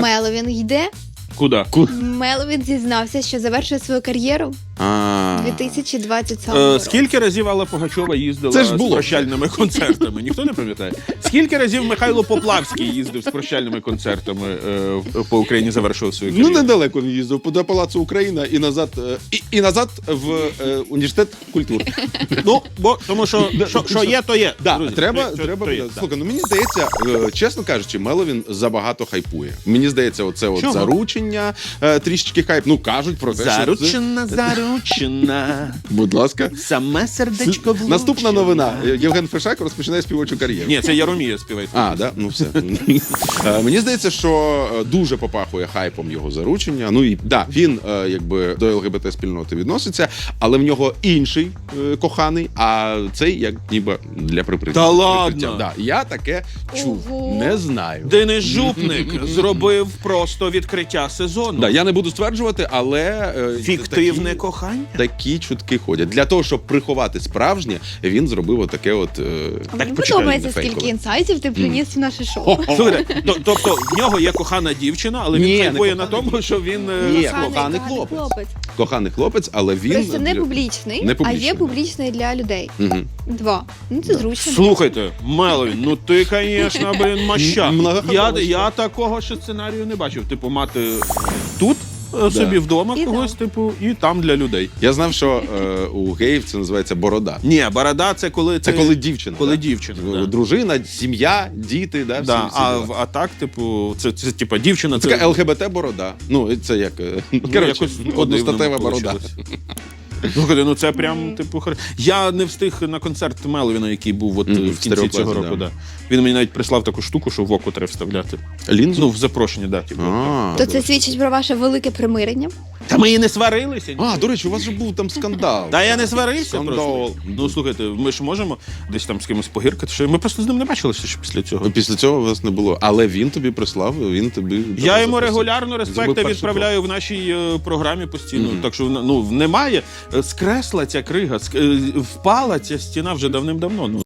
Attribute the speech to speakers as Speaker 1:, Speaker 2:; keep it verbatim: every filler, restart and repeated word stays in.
Speaker 1: Меловін йде.
Speaker 2: Куди?
Speaker 1: Меловін зізнався, що завершує свою кар'єру
Speaker 3: А.
Speaker 1: дві тисячі двадцять сьомому
Speaker 2: Е,
Speaker 1: році.
Speaker 2: Скільки разів Алла Пугачова їздила
Speaker 3: Це ж
Speaker 2: з
Speaker 3: було.
Speaker 2: прощальними концертами? Ніхто не пам'ятає? Скільки разів Михайло Поплавський їздив з прощальними концертами е, в- по Україні, завершував свою
Speaker 3: Ну,
Speaker 2: кар'єру?
Speaker 3: недалеко він їздив, до Палацу Україна і назад, е, і, і назад в е, університет культури.
Speaker 2: Ну, бо тому що, що, що є, то є.
Speaker 3: Да,
Speaker 2: друзі.
Speaker 3: треба,
Speaker 2: Що-
Speaker 3: треба
Speaker 2: то є,
Speaker 3: буде.
Speaker 2: да.
Speaker 3: Слухай, ну мені здається, е, чесно кажучи, Меловін забагато хайпує. Мені здається, оце от
Speaker 2: Чого?
Speaker 3: заручення, е, трішечки хайп. Ну, кажуть про те, що це...
Speaker 2: Заручена, заручена,
Speaker 3: Будь ласка.
Speaker 2: саме сердечко влучено.
Speaker 3: Наступна новина. Євген Фешак розпочинає співочу кар'єру.
Speaker 2: Ні, це Яромія співає.
Speaker 3: А, да? Ну все. Е, Мені здається, що е, дуже попахує хайпом його заручення. Ну і да, він е, якби до ЛГБТ-спільноти відноситься, але в нього інший е, коханий, а цей як ніби для прикриття.
Speaker 2: Та ладно?
Speaker 3: Прикриття. Да. Я таке чув.
Speaker 1: Ого.
Speaker 3: Не знаю.
Speaker 2: Денис Жупник зробив просто відкриття сезону.
Speaker 3: Да, я не буду стверджувати, але е,
Speaker 2: Фіктивне
Speaker 3: такі,
Speaker 2: кохання.
Speaker 3: такі чутки ходять. Для того, щоб приховати справжнє, він зробив отаке от. Е,
Speaker 1: Мені
Speaker 3: почекай,
Speaker 1: подобається,
Speaker 3: не фейкове.
Speaker 1: скільки інсайтів ти приніс в наше шоу.
Speaker 2: Слухайте, то- тобто в нього є кохана дівчина, але він
Speaker 3: Ні, не
Speaker 2: хайпує на
Speaker 3: кохана
Speaker 2: тому, що він е,
Speaker 3: Ні,
Speaker 2: хлопець.
Speaker 3: коханий хлопець. Коханий хлопець, але він
Speaker 1: Просто не
Speaker 3: для-
Speaker 1: публічний,
Speaker 3: Не
Speaker 1: а
Speaker 3: публічний.
Speaker 1: є публічний для людей.
Speaker 3: Мгм.
Speaker 1: Два. Ну це зручно.
Speaker 2: Слухайте, Меловін, ну ти, звісно, блін, маща.
Speaker 3: М-
Speaker 2: Я,
Speaker 3: многоходовочка.
Speaker 2: я такого ще сценарію не бачив. Типу, мати тут е, собі вдома
Speaker 1: І
Speaker 2: когось,
Speaker 1: там.
Speaker 2: типу, і там для людей.
Speaker 3: Я знав, що е, у геїв це називається борода.
Speaker 2: Ні, борода це коли
Speaker 3: Це
Speaker 2: ти-
Speaker 3: коли дівчина.
Speaker 2: Коли
Speaker 3: да?
Speaker 2: дівчина, да.
Speaker 3: Дружина, сім'я, діти, да, всі,
Speaker 2: Да,
Speaker 3: всі
Speaker 2: а,
Speaker 3: діла.
Speaker 2: в- а так, типу, це, це типу, дівчина.
Speaker 3: Це така ЛГБТ-борода. Ну, це як, е, коротше,
Speaker 2: якось
Speaker 3: одностатева
Speaker 2: по-дивному
Speaker 3: борода.
Speaker 2: получилось. Слухайте, ну це прям, типу, хар... Я не встиг на концерт Меловіна, який був от,
Speaker 3: Мгм,
Speaker 2: в
Speaker 3: в
Speaker 2: кінці
Speaker 3: стереоплазі,
Speaker 2: цього року.
Speaker 3: да.
Speaker 2: Да. Він мені навіть прислав таку штуку, що в око треба вставляти.
Speaker 3: Лінзу?
Speaker 2: Ну, в запрошення, да, типу.
Speaker 3: А,
Speaker 1: То це свідчить про ваше велике примирення.
Speaker 2: Та ми і не сварилися. ні.
Speaker 3: а, до речі, у вас же був там скандал.
Speaker 2: Та я не сварився
Speaker 3: Скандал.
Speaker 2: просто. Ну, слухайте, ми ж можемо десь там з кимось погіркати, що ми просто з ним не бачилися ще після цього.
Speaker 3: Після цього вас не було. Але він тобі прислав, він тобі...
Speaker 2: Я йому
Speaker 3: запросив.
Speaker 2: регулярно
Speaker 3: Зробив
Speaker 2: респекти
Speaker 3: перший
Speaker 2: відправляю в нашій е, програмі постійно.
Speaker 3: Мгм.
Speaker 2: Так що ну, немає. Е, Скресла ця крига, ск- е, впала ця стіна вже давним-давно. Ну,